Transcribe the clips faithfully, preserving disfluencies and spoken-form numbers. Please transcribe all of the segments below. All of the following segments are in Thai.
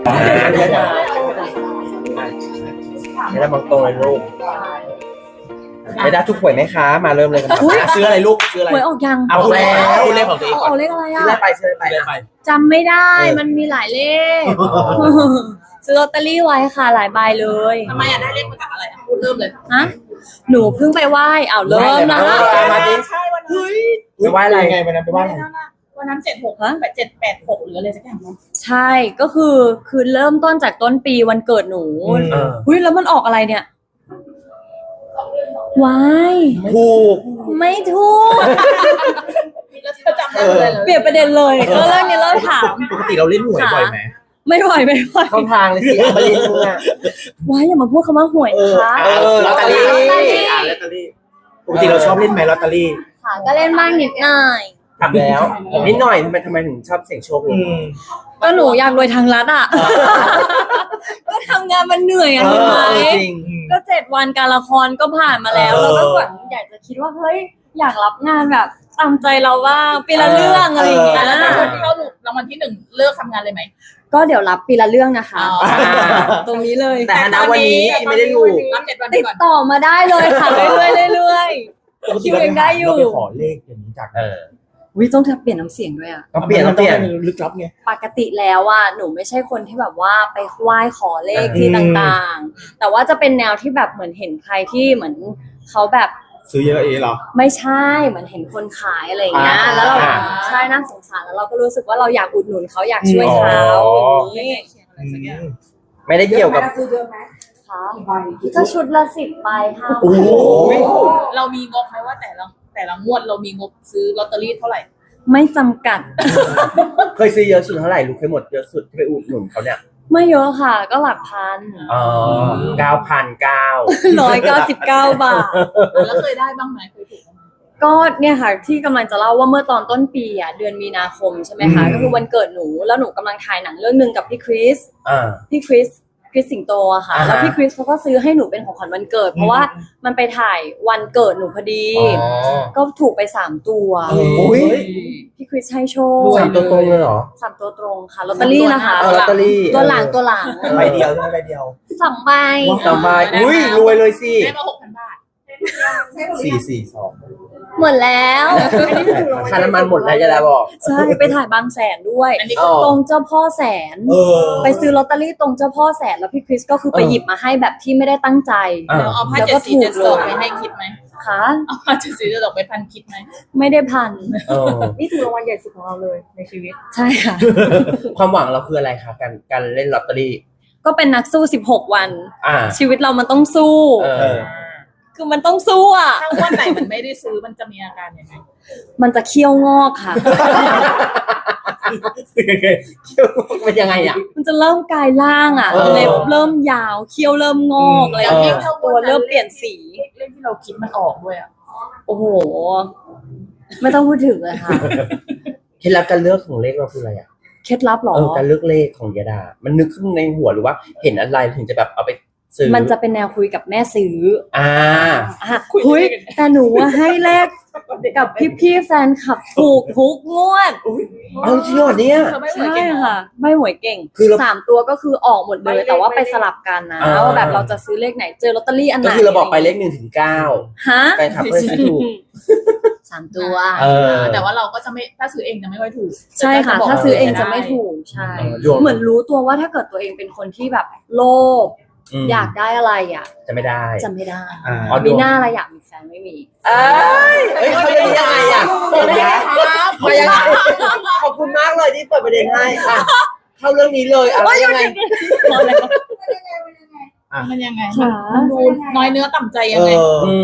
ไม่ได้บางตรงเลยลูกไม่ได้ทุกหวยไหมคะมาเริ่มเลยกันซื้ออะไรลูกซื้ออะไรหวยออกยังเอาแล้วเลขของตัวเองเอาเลขอะไรอ่ะซื้อไปซื้อไปจำไม่ได้มันมีหลายเลขซื้อลอตเตอรี่ไว้ค่ะหลายใบเลยทำไมอ่ะได้เลขมาจากอะไรอ่ะพูดเริ่มเลยฮะหนูเพิ่งไปไหว้อ้าวเริ่มนะมาดิใช่วันนั้นไปไหว้อะไรไงวันนั้นไปไหว้อะไรวันนั้นเจ็ดหกแปดเจ็ดแปดหกหรืออะไรสักอย่างมั้งใช่ก็คือคือเริ่มต้นจากต้นปีวันเกิดหนูอุ้ยแล้วมันออกอะไรเนี่ยวายถูกไม่ถูกแล้วเธอจำได้เลยเปลี่ยนประเด็นเลยก็เรื่องนี้เริ่มถามปกติเราเล่นหวยบ่อยไหมไม่ไหวไม่ไหวเข้าทางเลยสิมาเล่นมึงอ่ะว้ายอย่ามาพูดคำว่าหวยนะคะเออลอตเตอรี่ลอตเตอรี่ปกติเราชอบเล่นไหมลอตเตอรี่ค่ะก็เล่นบ้างนิดหน่อยทำแล้วนิดหน่อยทำไมทำไมถึงชอบเสี่ยงโชคเลยก็หนูอยากรวยทางรัฐอ่ะก็ทำงานมันเหนื่อยอ่ะเห็นไหมก็เจ็ดวันการละครก็ผ่านมาแล้วเราก็แบบอยากจะคิดว่าเฮ้ยอยากรับงานแบบตามใจเราว่าปีละเรื่องอะไรอย่างเงี้ยแล้วคนที่เขาหลุดรางวัลที่หนึ่งเลิกทำงานเลยไหมก็เดี๋ยวรับปีละเรื่องนะคะตรงนี้เลยแต่ณวันนี้ไม่ได้อยู่ติดต่อมาได้เลยค่ะเรื่อยๆเรื่อยๆคิวยังได้อยู่ขอเลขอย่างนี้จากเออวิต้องเปลี่ยนน้ำเสียงด้วยอ่ะต้องเปลี่ยนต้องเปลี่ยนลึกลับไงปกติแล้วอ่ะหนูไม่ใช่คนที่แบบว่าไปไหว้ขอเลขที่ต่างๆแต่ว่าจะเป็นแนวที่แบบเหมือนเห็นใครที่เหมือนเขาแบบซื้อเยอะเองเหรอไม่ใช่เหมือนเห็นคนขายอะไรอย่างเงี้ยแล้วเราใช่น่าสงสารแล้วเราก็รู้สึกว่าเราอยากอุดหนุนเขาอยากช่วยเขาอย่างนี้ไม่ได้เกี่ยวกับซื้อเยอะไหมคะก็ชุดละสิบใบค่ะโอ้โหเรามีงบไหมว่าแต่ละแต่ละงวดเรามีงบซื้อลอตเตอรี่เท่าไหร่ไม่จำกัดเคยซื้อเยอะสุดเท่าไหร่รู้เคยหมดเยอะสุดที่ไปอุดหนุนเขาเนี่ยไม่เยอะค่ะก็หลักพันอ๋อเก้าพันเก้าร้อยเก้าสิบเก้าบาทแล้วเคยได้บ้างไหมเคยถูกบ้างไหมก็เนี่ยค่ะที่กำลังจะเล่าว่าเมื่อตอนต้นปีอ่ะเดือนมีนาคมใช่ไหมคะก็คือวันเกิดหนูแล้วหนูกำลังถ่ายหนังเรื่องนึงกับพี่คริสพี่คริสคริสสิงโตอะค่ะแล้วพี่คริสเขาก็ซื้อให้หนูเป็นของขวัญวันเกิดเพราะว่ามันไปถ่ายวันเกิดหนูพอดีก็ถูกไปสามตัวพี่คริสให้โชคสามตัวตรงเลยเหรอสามตัวตรงค่ะลอตเตอรี่นะคะลอตเตอรี่ตัวหลังตัวหลังใบเดียวใช่ไหมใบเดียวสองใบสองใบอุ้ยรวยเลยสิได้มาหกพันบาทสี่สี่สองหมดแล้วค่าน้ำมันหมดแล้วจะได้บอกใช่ไปถ่ายบางแสนด้วยตรงเจ้าพ่อแสนไปซื้อลอตเตอรี่ตรงเจ้าพ่อแสนแล้วพี่คริสก็คือไปหยิบมาให้แบบที่ไม่ได้ตั้งใจเอาผ้าเจ็ดสีเจ็ดสองไปให้คิดไหมคะเอาผ้าเจ็ดสีเจ็ดสองไปพันคิดไหมไม่ได้พันนี่ถือรางวัลใหญ่สุดของเราเลยในชีวิตใช่ค่ะความหวังเราคืออะไรคะการการเล่นลอตเตอรี่ก็เป็นนักสู้สิบหกวันชีวิตเรามันต้องสู้คือมันต้องสู้อ่ะถ้าวันไหนมันไม่ได้ซื้อมันจะมีอาการยังไงมันจะเคี้ยวงอกค่ะเคี้ยวงอกเป็นยังไงอ่ะมันจะเริ่มกลายร่างอ่ะเล็บเริ่มยาวเคี้ยวเริ่มงอกอะไรอย่างเงี้ยตัวเริ่มเปลี่ยนสีเรื่องที่เราคิดมันออกด้วยอ่ะโอ้โหไม่ต้องพูดถึงเลยค่ะเคล็ดลับการเลือกของเลขเราคืออะไรอ่ะเคล็ดลับหรอการเลือกเลขของยาดามันนึกขึ้นในหัวหรือว่าเห็นอะไรถึงจะแบบเอาไปมันจะเป็นแนวคุยกับแม่ซื้ออ่าคุยแต่หนูว่าให้เลขกับพี่ๆแฟนคลับถูกทุกงวดเอาจริงเหรอเนี่ยใช่ค่ะไม่หวยเก่งคือสามตัวก็คือออกหมดเลยแต่ว่าไปสลับกันนะว่าแบบเราจะซื้อเลขไหนเจอลอตเตอรี่อันไหนก็คือเราบอกไปเลขหนึ่งถึงเก้าฮะแฟนคลับก็ซื้อถูกสามตัวแต่ว่าเราก็จะไม่ถ้าซื้อเองจะไม่ค่อยถูกใช่ค่ะถ้าซื้อเองจะไม่ถูกใช่เหมือนรู้ตัวว่าถ้าเกิดตัวเองเป็นคนที่แบบโลภอยากได้อะไรอ่ะจะไม่ได้จะไม่ได้มีหน้าอะไรอยากมีแฟนไม่มีเอ้ยเอ้ยเขาจะยังไงอ่ะมายังไงขอบคุณมากเลยที่เปิดประเด็นให้อ่ะเข้าเรื่องนี้เลยอะไรยังไงมันยังไงมันดูน้อยเนื้อต่ำใจยังไง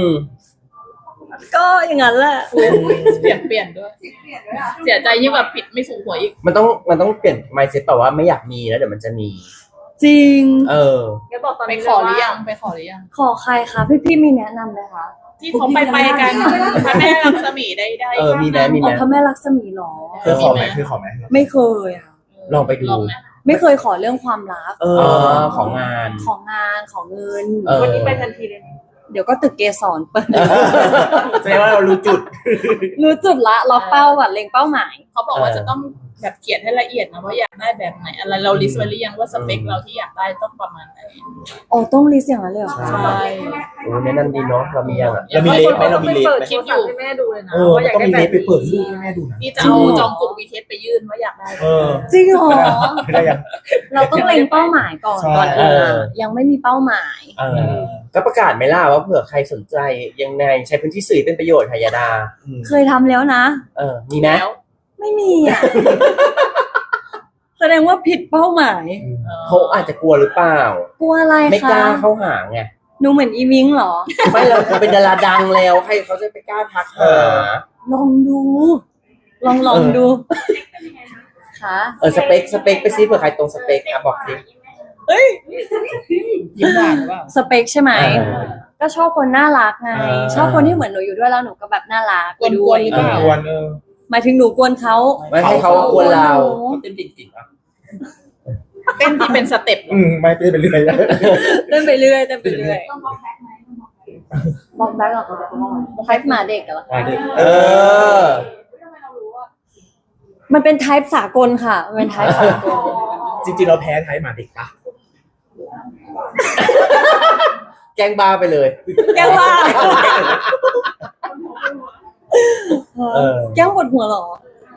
ก็อย่างนั้นแหละเปลี่ยนเปลี่ยนด้วยเสียใจยิ่งแบบผิดไม่ถูกหวยอีกมันต้องมันต้องเปลี่ยน mindset แต่ว่าไม่อยากมีแล้วเดี๋ยวมันจะมีจริงเออไปขอหรือยังไปขอหรือยังขอใครคะพี่ๆมีแนะนำไหมคะที่เขาไปไปกันพระแม่ลักษมีได้ได้เออมีแนะมีแนะพระแม่ลักษมีหรอเคยขอไหมเคยขอไหมไม่เคยอ่ะลองไปดูไม่เคยขอเรื่องความรักเออของงานของงานของเงินวันนี้ไปทันทีเลยเดี๋ยวก็ตึกเกสรเปิดแสดงว่าเรารู้จุดรู้จุดละล็อกเป้าแบบเล็งเป้าหมายเขาบอกว่าจะต้องแบบเขียนให้ละเอียดนะว่าอยากได้แบบไหนอะไรเราลิสต์ไว้หรือยังว่าสเปคเราที่อยากได้ต้องประมาณไหนอ๋อต้องลิสต์อย่างนั้นเลยเหรอคะใช่โอ้แนะนำดีเนาะเรามียังอ่ะเรามีเลสไหมเรามีเลสเปิดไหมคลิปอยู่ให้แม่ดูเลยนะเออว่าอยากต้องได้มีแบเลสบไปเปิดรูปให้แม่ดูนะนี่จะเอาจองกลุ่มวีเทสไปยื่นว่าอยากได้เออจริงเหรอไม่ได้ยังเราต้องเล็งเป้าหมายก่อนใช่ก่อนอื่นอะยังไม่มีเป้าหมายเออก็ประกาศไหมล่ะว่าเผื่อใครสนใจยังไงใช้พื้นที่สื่อเป็นประโยชน์ค่ะยาดาเคยทำแล้วนะเออมีไหมแล้วไม่มีอ่ะ แสดงว่าผิดเป้าหมายเขาอาจจะกลัวหรือเปล่ากลัวอะไรไม่กคะล้าเข้าหาไงหนูเหมือนอีวิงเหรอไม่เราเป็นดาราดังแล้วใครเขาจะไปกล้าทักหาลองดู ลองลองดูค่ะเออสเปคสเปคไปซิเผื่อใครตรงสเปคอ่ะบอกสิยิ้มหวานหรือเปล่าสเปคใช่ไหมเออก็ชอบคนน่ารักไงอ่าชอบคนที่เหมือนหนูอยู่ด้วยแล้วหนูก็แบบน่ารักไปด้กววนยๆหรือเปล่ากวนเออหมายถึงหนูกวนเขาไม่ให้เขากวนเราเต้นจริงๆอ่ะเต้นที่เป็นสเต็ปอืมไม่เต้นไปเรื่อยนะเต้นไปเรื่อยเต้นไปเรื่อยบอกแบ็คเหรอคะไทป์หมาเด็กเหรอมาดิเออมันเป็นไทป์สากลค่ะมันเป็นไทป์สากลจริงๆเราแพ้ไทยหมาเด็กปะแกล้งบ้าไปเลยแก้วว่าเออแก้วปวดหัวเหรอ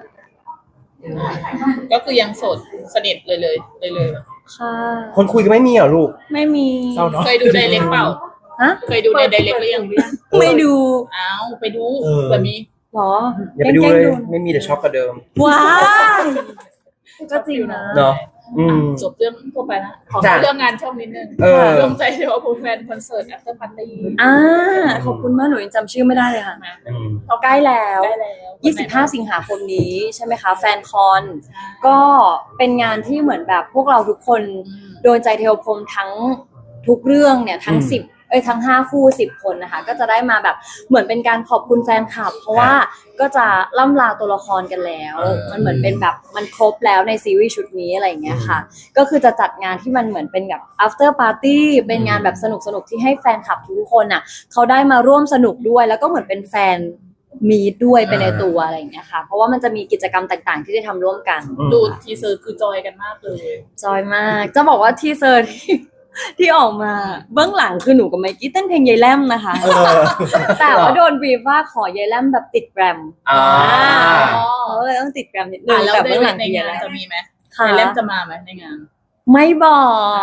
ก็คือยังโสดสนิทเลยเลยเลยเลยค่ะคนคุยก็ไม่มีเหรอลูกไม่มีเศร้าเนาะเคยดูไดเรกเปล่าฮะเคยดูในไดเรกหรือยังไม่ดูอ้าวไปดูเผื่อมีเหรออย่าไปดูแกล้งเลยๆไม่มีแต่ช็อกกว่าเดิมว้ายก็จริงนะเนาะอืมจบเรื่องทั่วไปแล้วขอจ้ะเรื่องงานช่องนิดนึงเออรวมใจเดียวกับแฟนคอนเสิร์ต after party อ่าขอบคุณมากหนูยังจำชื่อไม่ได้เลยค่ะอืมใกล้แล้วได้แล้วยี่สิบห้า สิงหาคมนี้ใช่ไหมคะ แฟนคอน ก็เป็นงานที่เหมือนแบบพวกเราทุกคนอืมโดนใจเทวพรหมทั้งทุกเรื่องเนี่ยทั้งอืมสิบเอ้ยทั้งห้าคู่สิบคนนะคะ ก็จะได้มาแบบเหมือนเป็นการขอบคุณแฟนคลับ เพราะว่าก็จะล่ำลาตัวละครกันแล้วเออมันเหมือนเป็นแบบมันครบแล้วในซีรีส์ชุดนี้อะไรอย่างเงี้ยค่ะ ก็คือจะจัดงานที่มันเหมือนเป็นแบบ after party เป็นงานแบบสนุกสนุกๆที่ให้แฟนคลับทุกคนอ่ะเขาได้มาร่วมสนุกด้วย แล้วก็เหมือนเป็นแฟนมีดด้วยไปในตัวอะไรอย่างเงี้ยค่ะ เพราะว่ามันจะมีกิจกรรมต่างๆ ที่ได้ทำร่วมกันดูทีเซอร์คือจอยกันมากเลยจอยมาก จะบอกว่าทีเซอร์ที่ ที่ออกมาเบื้องหลังคือหนูกับไมกี้เต้นเพลงยายแลมนะคะเออแต่ว่าโดนบีบว่าขอยายแลมแบบติดแกรมอ่าเขาเลยต้องติดแกรมนิดนึอ่ะงแล้วแต่ในเบื้องหลังในคือยางาย นแลมจะมีไหมค่ะในเล่มจะมาไหมในงานไม่บอก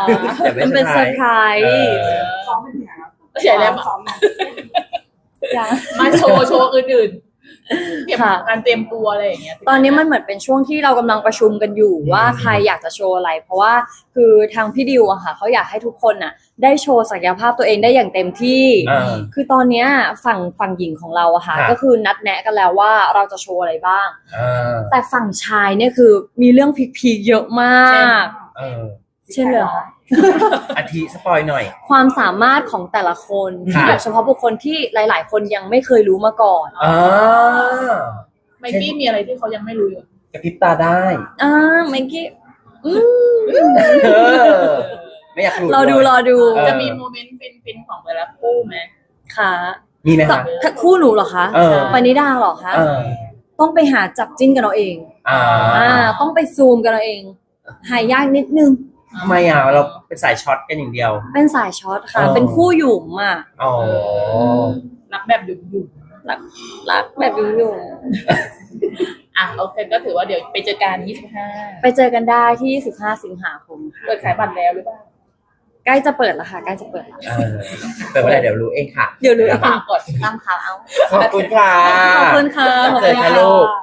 เดี๋ยวมันเป็นเซอร์ไพรส์เออซ้อมเป็นยังไงครับใหญ่แล้วซ้อมยังมาโชว์โชว์อื่นๆเตรียมค่ะการเตรียมตัวอะไรอย่างเงี้ยตอนนี้มันเหมือนเป็นช่วงที่เรากำลังประชุมกันอยู่ว่าใครอยากจะโชว์อะไร เพราะว่าคือทางพี่ดิวอะค่ะเขาอยากให้ทุกคนน่ะ ได้โชว์ศักยภาพตัวเองได้อย่างเต็มที่อ่าคือตอนเนี้ยฝั่งฝั่งหญิงของเราอะค่ะครับก็คือนัดแนะกันแล้วว่าเราจะโชว์อะไรบ้างอ่าแต่ฝั่งชายเนี่ยคือมีเรื่องพีคๆเยอะมากเออเช่นเลยเหรอคะอาทิสปอยหน่อยความสามารถของแต่ละคนที่ค่ะโดยเฉพาะบุคคลที่หลาย ๆ คนยังไม่เคยรู้มาก่อนอ่าไมกี้มีอะไรที่เขายังไม่รู้อยู่กระพริบตาได้อ่าเมื่อกี้อืมเออ ไม่อยากหลุดรอดูเลยรอดูเออจะมีโมเมนต์ฟินๆของแต่ละคู่ไหมค่ะมีไหมแต่คะถ้าคู่หนูเหรอคะเออปณิดาเหรอคะเออต้องไปหาจับจิ้นกันเอาเองอ่าอ่า ต้องไปซูมกันเอาเอง หายากนิดนึงทำไมอ่ะเราเป็นสายช็อตกันอย่างเดียวเป็นสายช็อตค่ะอ๋อเป็นคู่หยุ่มอ่ะอ๋อรักแบบหยุ่มรักรักแบบหยุ่มหยุ่มๆอ่ะโอเคก็ถือว่าเดี๋ยวไปเจอกันยี่สิบห้าไปเจอกันได้ที่ สิบห้า สิงหาคมค่ะเปิดขายบัตรแล้วหรือเปล่าใกล้จะเปิดแล้วค่ะ ใกล้จะเปิดแล้วเออแต่เมื่อไหร่เดี๋ยวรู้เองค่ะเดี๋ยวรู้ฝากก่อนตามข่าวเอาขอบคุณค่ะขอบคุณค่ะขอบเจคุอณกันค่ะลูก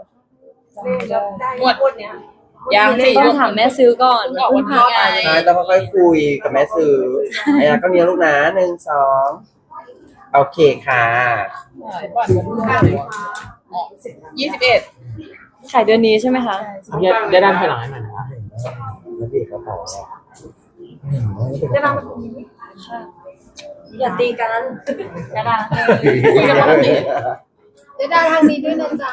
งวดคนเนี้ยยังสิต้องถามแม่ซื้อก่อนเพิ่งพักไงใช่ต้องค่อยๆคุยกับแม่ซื้อไอ้ยาก็มีลูกนะหนึ่งสองโอเคค่ะบัตรยี่สิบเอ็ดขายเดือนนี้ใช่ไหมคะเนี่ยได้ด้านภายหลังให้หน่อยนะแล้วพี่กระเป๋าได้บ้างค่ะอย่าตีกันอย่าด่าคุยกันปกติได้ด่าทางนี้ด้วยนะจ๊ะ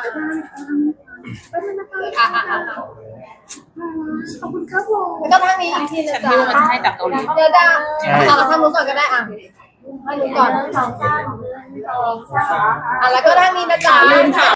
อ่ะอ่ะอ่ะขอบคุณครับผมแล้วก็ทางนี้อีกทีนะฉันจ๊ะไม่รู้มันจะให้จากเกาหลีเดี๋ยวด่าเอาทางนู้นก่อนก็ได้อ่ะทางนู้นก่อนอ่ะแล้วก็ทางนี้นะจ๊ะลืมถาม